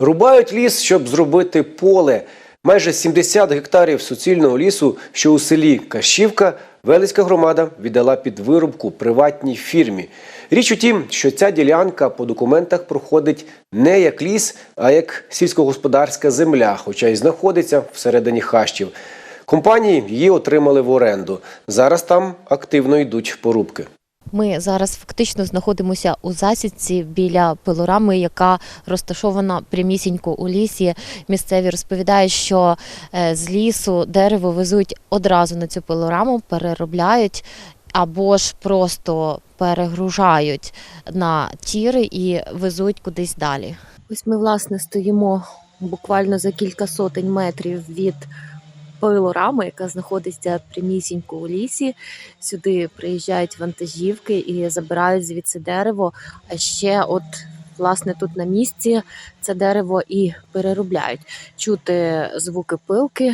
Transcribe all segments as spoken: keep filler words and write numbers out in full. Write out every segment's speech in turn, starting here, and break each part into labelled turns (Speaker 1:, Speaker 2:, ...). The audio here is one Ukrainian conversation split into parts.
Speaker 1: Рубають ліс, щоб зробити поле. Майже сімдесят гектарів суцільного лісу, що у селі Кащівка, Велицька громада віддала під вирубку приватній фірмі. Річ у тім, що ця ділянка по документах проходить не як ліс, а як сільськогосподарська земля, хоча й знаходиться всередині хащів. Компанії її отримали в оренду. Зараз там активно йдуть порубки.
Speaker 2: Ми зараз фактично знаходимося у засідці біля пилорами, яка розташована прямісінько у лісі. Місцеві розповідають, що з лісу дерево везуть одразу на цю пилораму, переробляють або ж просто перегружають на тіри і везуть кудись далі. Ось ми, власне, стоїмо буквально за кілька сотень метрів від пилорами, яка знаходиться прямісінько у лісі. Сюди приїжджають вантажівки і забирають звідси дерево. А ще от, власне, тут на місці це дерево і переробляють. Чути звуки пилки.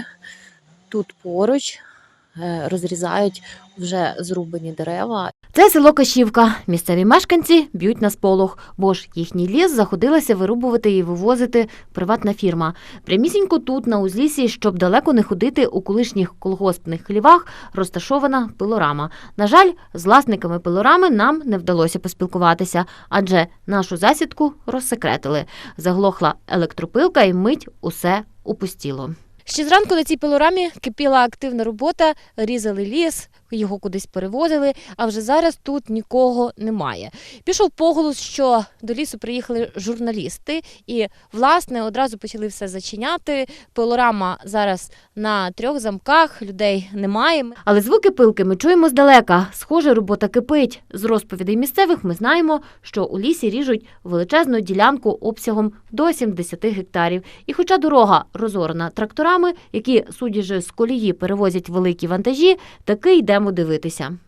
Speaker 2: Тут поруч розрізають вже зрубані дерева. Це село Кащівка. Місцеві мешканці б'ють на сполох, бо ж їхній ліс заходилася вирубувати і вивозити приватна фірма. Прямісінько тут, на узліссі, щоб далеко не ходити, у колишніх колгоспних хлівах розташована пилорама. На жаль, з власниками пилорами нам не вдалося поспілкуватися, адже нашу засідку розсекретили. Заглохла електропилка і мить усе опустіло. Ще зранку на цій пилорамі кипіла активна робота, різали ліс, його кудись перевозили, а вже зараз тут нікого немає. Пішов поголос, що до лісу приїхали журналісти і, власне, одразу почали все зачиняти. Пилорама зараз на трьох замках, людей немає. Але звуки пилки ми чуємо здалека. Схоже, робота кипить. З розповідей місцевих ми знаємо, що у лісі ріжуть величезну ділянку обсягом до сімдесят гектарів. І хоча дорога розорена тракторами, які, судячи з колії, перевозять великі вантажі, таки йдемо дивитися.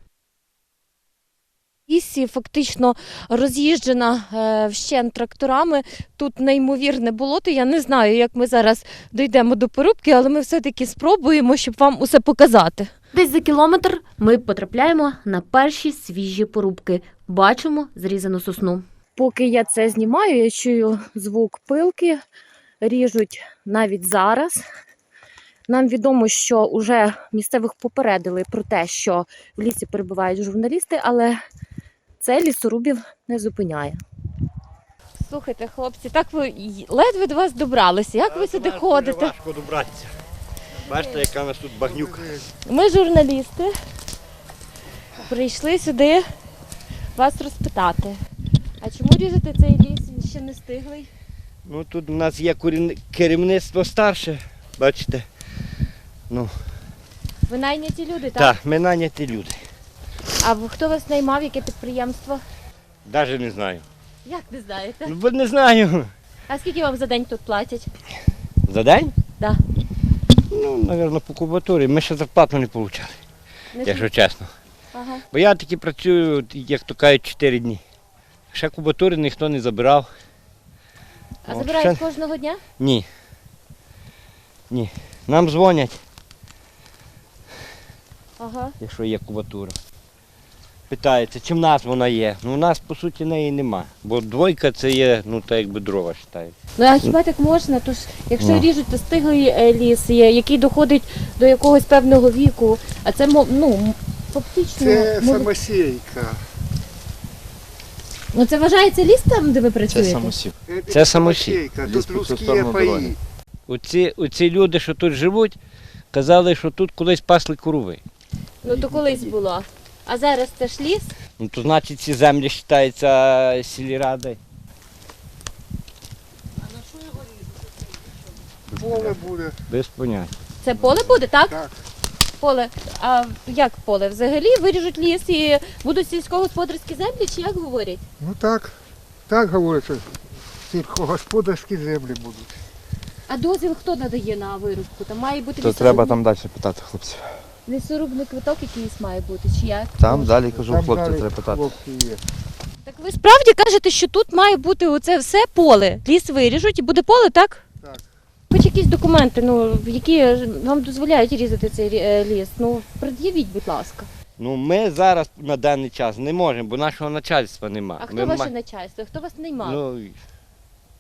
Speaker 2: Лісі фактично роз'їжджена е, вщент тракторами. Тут неймовірне болото. Я не знаю, як ми зараз дійдемо до порубки, але ми все-таки спробуємо, щоб вам усе показати. Десь за кілометр ми потрапляємо на перші свіжі порубки. Бачимо зрізану сосну. Поки я це знімаю, я чую звук пилки. Ріжуть навіть зараз. Нам відомо, що вже місцевих попередили про те, що в лісі перебувають журналісти, але це лісорубів не зупиняє. Слухайте, хлопці, так ви ледве до вас добралися. Як ви сюди ходите?
Speaker 3: Важко добратися. Бачите, яка у нас тут багнюка.
Speaker 2: Ми журналісти. Прийшли сюди вас розпитати. А чому різати цей ліс? Він ще не стиглий.
Speaker 3: Ну, тут у нас є керівництво старше, бачите. Ну,
Speaker 2: ви найняті люди, так?
Speaker 3: Так, ми найняті люди.
Speaker 2: А хто вас наймав, яке підприємство?
Speaker 3: Навіть не знаю.
Speaker 2: Як не знаєте?
Speaker 3: Ну, бо не знаю.
Speaker 2: А скільки вам за день тут платять?
Speaker 3: За день?
Speaker 2: Так.
Speaker 3: Ну, мабуть, по кубатурі. Ми ще зарплату не отримали, якщо чесно.
Speaker 2: Ага.
Speaker 3: Бо я таки працюю, як то кажуть, чотири дні. Ще кубатури ніхто не забирав.
Speaker 2: А
Speaker 3: О,
Speaker 2: забирають
Speaker 3: ще...
Speaker 2: кожного дня?
Speaker 3: Ні. Ні. Нам дзвонять,
Speaker 2: ага.
Speaker 3: Якщо є кубатура. Питається, чи в нас вона є. Ну, у нас, по суті, неї нема. Бо двойка це є, ну, так якби дрова вважають.
Speaker 2: Ну, а хіба так можна? Тож, якщо
Speaker 3: Ну.
Speaker 2: ріжуть, то стиглий ліс є, який доходить до якогось певного віку. А це, ну, фактично...
Speaker 4: Це
Speaker 2: мов...
Speaker 4: самосійка.
Speaker 2: Ну, це вважається ліс там, де ви працюєте?
Speaker 5: Це самосів.
Speaker 3: Це самосій.
Speaker 4: Тут людські паї.
Speaker 3: Оці, оці люди, що тут живуть, казали, що тут колись пасли корови.
Speaker 2: Ну, то колись було. А зараз це ж ліс?
Speaker 3: Ну, то значить ці землі вважаються сільради.
Speaker 4: Поле буде.
Speaker 3: Без поняття.
Speaker 2: Це поле буде, так?
Speaker 4: Так.
Speaker 2: Поле. А як поле? Взагалі виріжуть ліс і будуть сільськогосподарські землі, чи як говорять?
Speaker 4: Ну так. Так говорять, що сільськогосподарські землі будуть.
Speaker 2: А дозвіл хто надає на вирубку? Там має бути
Speaker 5: То треба там далі питати хлопців.
Speaker 2: лісорубний квиток якийсь має бути, чи як?
Speaker 5: Там далі, кажу,
Speaker 4: Там
Speaker 5: хлопців
Speaker 4: далі
Speaker 5: треба питати.
Speaker 4: хлопці є.
Speaker 2: Так ви справді кажете, що тут має бути оце все поле? Ліс виріжуть і буде поле, так?
Speaker 4: Так.
Speaker 2: Хоч якісь документи, ну, які вам дозволяють різати цей е, ліс, ну, пред'явіть, будь ласка.
Speaker 3: Ну, ми зараз на даний час не можемо, бо нашого начальства немає.
Speaker 2: А хто ваше начальство? Хто вас наймав?
Speaker 3: Ну,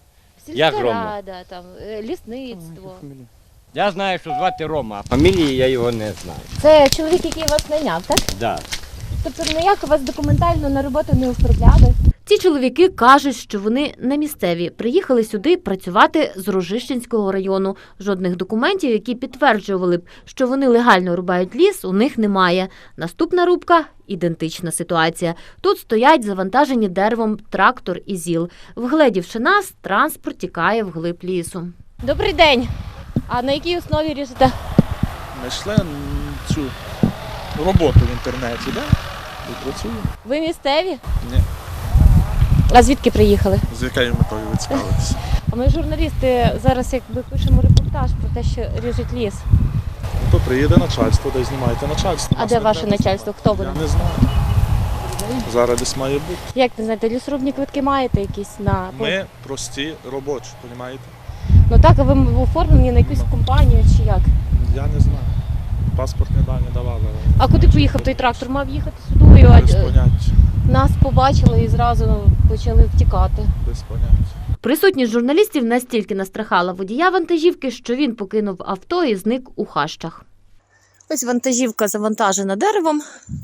Speaker 3: Як
Speaker 2: Сільська
Speaker 3: Рома?
Speaker 2: рада, там, е, лісництво.
Speaker 3: Я знаю, що звати Рома, а фамілії я його не знаю.
Speaker 2: Це чоловік, який вас найняв, так?
Speaker 3: Да.
Speaker 2: Тобто ніяк вас документально на роботу не оформляли? Ці чоловіки кажуть, що вони не місцеві. Приїхали сюди працювати з Рожищенського району. Жодних документів, які підтверджували б, що вони легально рубають ліс, у них немає. Наступна рубка – ідентична ситуація. Тут стоять завантажені деревом трактор і зіл. Вгледівши нас, транспорт тікає вглиб лісу. Добрий день! А на якій основі ріжете?
Speaker 6: Знайшли м, цю роботу в інтернеті, да? І працюємо.
Speaker 2: Ви місцеві?
Speaker 6: Ні.
Speaker 2: А звідки приїхали?
Speaker 6: З якою метою ви цікавитеся?
Speaker 2: А ми журналісти зараз якби пишемо репортаж про те, що ріжуть ліс.
Speaker 6: Ну, то приїде начальство, де знімаєте начальство.
Speaker 2: А
Speaker 6: Нас
Speaker 2: де
Speaker 6: не
Speaker 2: ваше
Speaker 6: треба
Speaker 2: начальство?
Speaker 6: знімати.
Speaker 2: Хто вони?
Speaker 6: Я не знаю. Зараз десь має бути.
Speaker 2: Як не знаєте, лісорубні квитки маєте якісь на
Speaker 6: Ми прості робочі, розумієте?
Speaker 2: ну так, а ви оформлені на якусь компанію чи як?
Speaker 6: Я не знаю. Паспортні дані давали.
Speaker 2: А куди поїхав той трактор? Мав їхати сюди, а
Speaker 6: Без поняття.
Speaker 2: нас побачили і зразу почали втікати.
Speaker 6: Без поняття.
Speaker 2: Присутність журналістів настільки настрахала водія вантажівки, що він покинув авто і зник у хащах. Ось вантажівка завантажена деревом.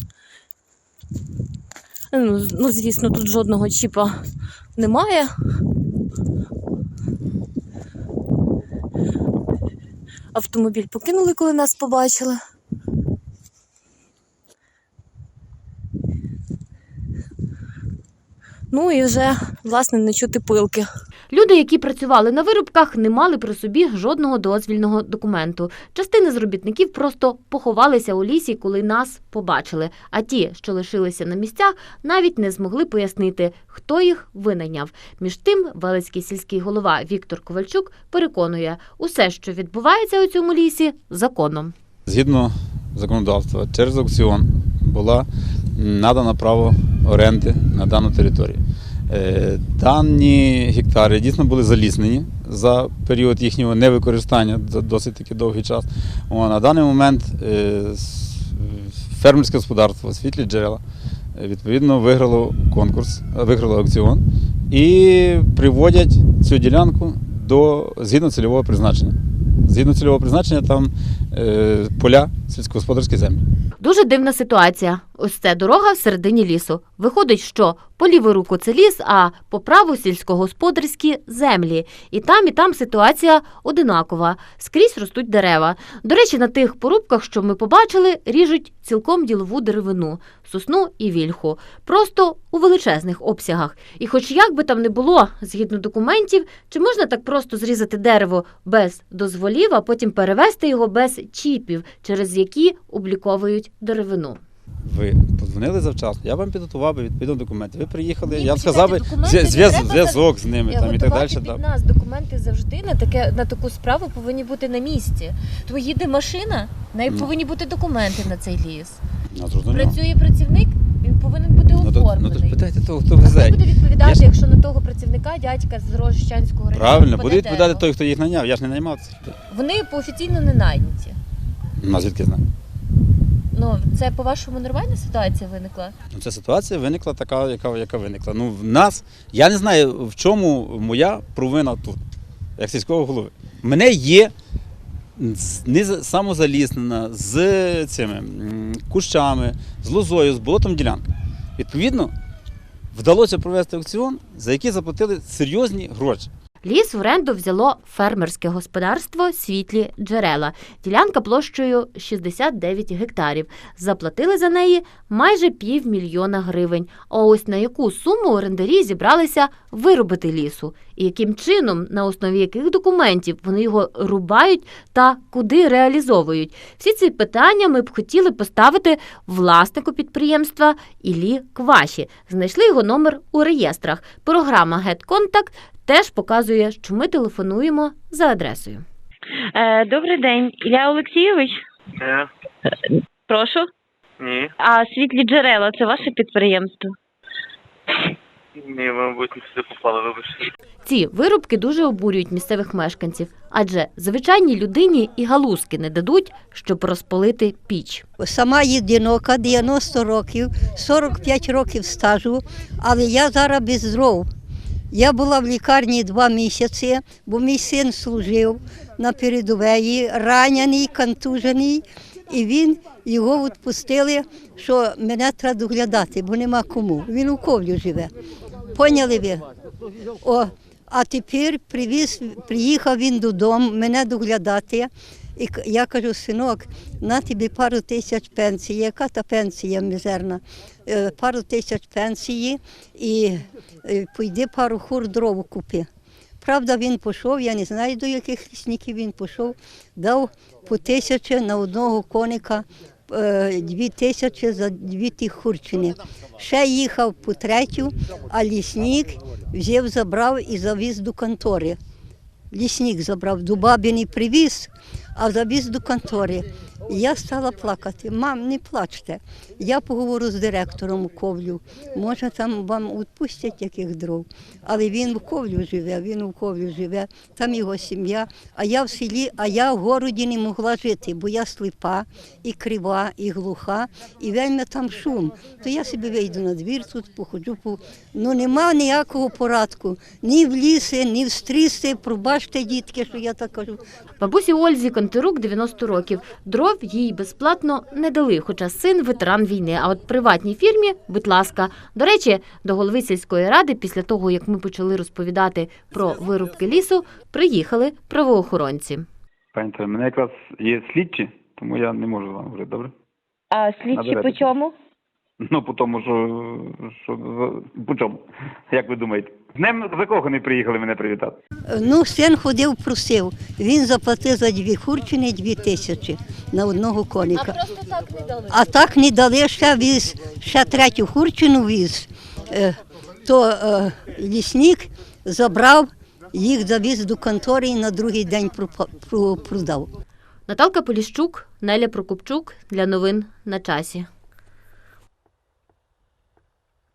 Speaker 2: Ну, з- ну, звісно, тут жодного чіпа немає. Автомобіль покинули, коли нас побачили. Ну і вже, власне, не чути пилки. Люди, які працювали на вирубках, не мали при собі жодного дозвільного документу. Частина з робітників просто поховалися у лісі, коли нас побачили. А ті, що лишилися на місцях, навіть не змогли пояснити, хто їх винайняв. Між тим, Велицький сільський голова Віктор Ковальчук переконує, усе, що відбувається у цьому лісі, законом.
Speaker 7: Згідно законодавства, через аукціон була надана право оренди на дану територію. Е, Дані гектари дійсно були заліснені за період їхнього невикористання за досить таки довгий час. О, на даний момент е, с- фермерське господарство «Світлі джерела» е, відповідно виграло конкурс, е, виграло аукціон і приводять цю ділянку до згідно цільового призначення. Згідно цільового призначення там е, поля сільськогосподарські землі.
Speaker 2: Дуже дивна ситуація. Ось це дорога в середині лісу. Виходить, що по ліву руку це ліс, а по праву сільськогосподарські землі. І там, і там ситуація одинакова. Скрізь ростуть дерева. До речі, на тих порубках, що ми побачили, ріжуть цілком ділову деревину – сосну і вільху. Просто у величезних обсягах. І хоч як би там не було, згідно документів, чи можна так просто зрізати дерево без дозволів, а потім перевезти його без чіпів, через які обліковують деревину?
Speaker 7: Ви подзвонили завчасно, я вам підготував би відповідно документи. Ви приїхали,
Speaker 2: Ні,
Speaker 7: я б
Speaker 2: почекайте,
Speaker 7: сказав би
Speaker 2: документи
Speaker 7: зв'я-
Speaker 2: не
Speaker 7: зв'яз-
Speaker 2: треба
Speaker 7: зв'язок з ними там, і так далі.
Speaker 2: Під
Speaker 7: Да.
Speaker 2: нас документи завжди на таке на таку справу повинні бути на місці. То їде машина, в неї
Speaker 7: Ну.
Speaker 2: повинні бути документи на цей ліс.
Speaker 7: Ну, зрозуміло.
Speaker 2: Працює працівник, він повинен бути
Speaker 7: Ну, то, ну, то ж
Speaker 2: оформлений.
Speaker 7: питайте того, хто
Speaker 2: А хто
Speaker 7: везе.
Speaker 2: буде відповідати,
Speaker 7: Я ж-
Speaker 2: якщо на того працівника дядька з Рожищенського району?
Speaker 7: Правильно,
Speaker 2: впаде
Speaker 7: буде відповідати
Speaker 2: дерево?
Speaker 7: той, хто їх наняв. Я ж не наймав цих людей.
Speaker 2: Вони офіційно не найняті.
Speaker 7: Ну, а звідки знаю?
Speaker 2: Ну, це по-вашому нормальна ситуація виникла?
Speaker 7: Ну, ця ситуація виникла така, яка, яка виникла. Ну, в нас, я не знаю, в чому моя провина тут, як сільського голови. У мене є з- не за- самозаліснена з цими м, кущами, з лозою, з болотом ділянка. Відповідно, вдалося провести аукціон, за який заплатили серйозні гроші.
Speaker 2: Ліс в оренду взяло фермерське господарство «Світлі джерела». Ділянка площею шістдесят дев'ять гектарів. Заплатили за неї майже півмільйона гривень. А ось на яку суму орендарі зібралися вирубити лісу? І яким чином, на основі яких документів вони його рубають та куди реалізовують? Всі ці питання ми б хотіли поставити власнику підприємства Іллі Кваші. Знайшли його номер у реєстрах. Програма «GetContact» теж показує, що ми телефонуємо за адресою.
Speaker 8: Е, Добрий день, Ілля Олексійович.
Speaker 9: Е,
Speaker 8: Прошу.
Speaker 9: ні,
Speaker 8: А світлі джерела це ваше підприємство?
Speaker 9: ні, ви, мабуть, не сюди попали, вибачте.
Speaker 2: Ці вирубки дуже обурюють місцевих мешканців, адже звичайній людині і галузки не дадуть, щоб розпалити піч.
Speaker 10: Сама єдинока, дев'яносто років, сорок п'ять років стажу, але я зараз без дров. Я була в лікарні два місяці, бо мій син служив на передовій, ранений, контужений, і він, його відпустили, що мене треба доглядати, бо нема кому. Він у Ковлю живе. Поняли ви? О, а тепер привіз, приїхав він додому мене доглядати. І я кажу, синок, на тобі пару тисяч пенсії. Яка та пенсія мізерна? Е, Пару тисяч пенсії і е, пойди пару хур дров купи. Правда, він пішов, я не знаю, до яких лісників він пішов, дав по тисячі на одного коника, е, дві тисячі за дві ті хурчини. Ще їхав по третю, а лісник взяв, забрав і завіз до контори. Лісник забрав, до баби не привіз, а завіз до контори. І я стала плакати. Мам, не плачте. Я поговорю з директором у Ковлю. Може, там вам відпустять яких дров. Але він в Ковлю живе, він у Ковлю живе, там його сім'я. А я в селі, а я в городі не могла жити, бо я сліпа, і крива, і глуха, і вельми там шум. То я собі вийду на двір тут, походжу. По... Ну нема ніякого порадку. Ні в ліси, ні в стріси. Пробачте, дітки, що я так кажу.
Speaker 2: Бабусі Ользі Контирук дев'яносто років. Дров їй безплатно не дали, хоча син ветеран війни. А от приватній фірмі, будь ласка. До речі, до голови сільської ради, після того, як ми почали розповідати про вирубки лісу, приїхали правоохоронці.
Speaker 11: Пані Таня, мене якраз є слідчі, тому я не можу з вами говорити, добре?
Speaker 8: А слідчі
Speaker 11: Наберете.
Speaker 8: по чому?
Speaker 11: Ну, по тому, що, що по чому? Як ви думаєте? З днем закоханий приїхали мене привітати.
Speaker 10: Ну, син ходив, просив. Він заплатив за дві хурчини дві тисячі на одного коника.
Speaker 2: А просто так не дали?
Speaker 10: А так не дали, ще віз, ще третю хурчину віз. Е, То е, лісник забрав, їх завіз до контори і на другий день пропа- про- продав.
Speaker 2: Наталка Поліщук, Неля Прокопчук для новин на часі.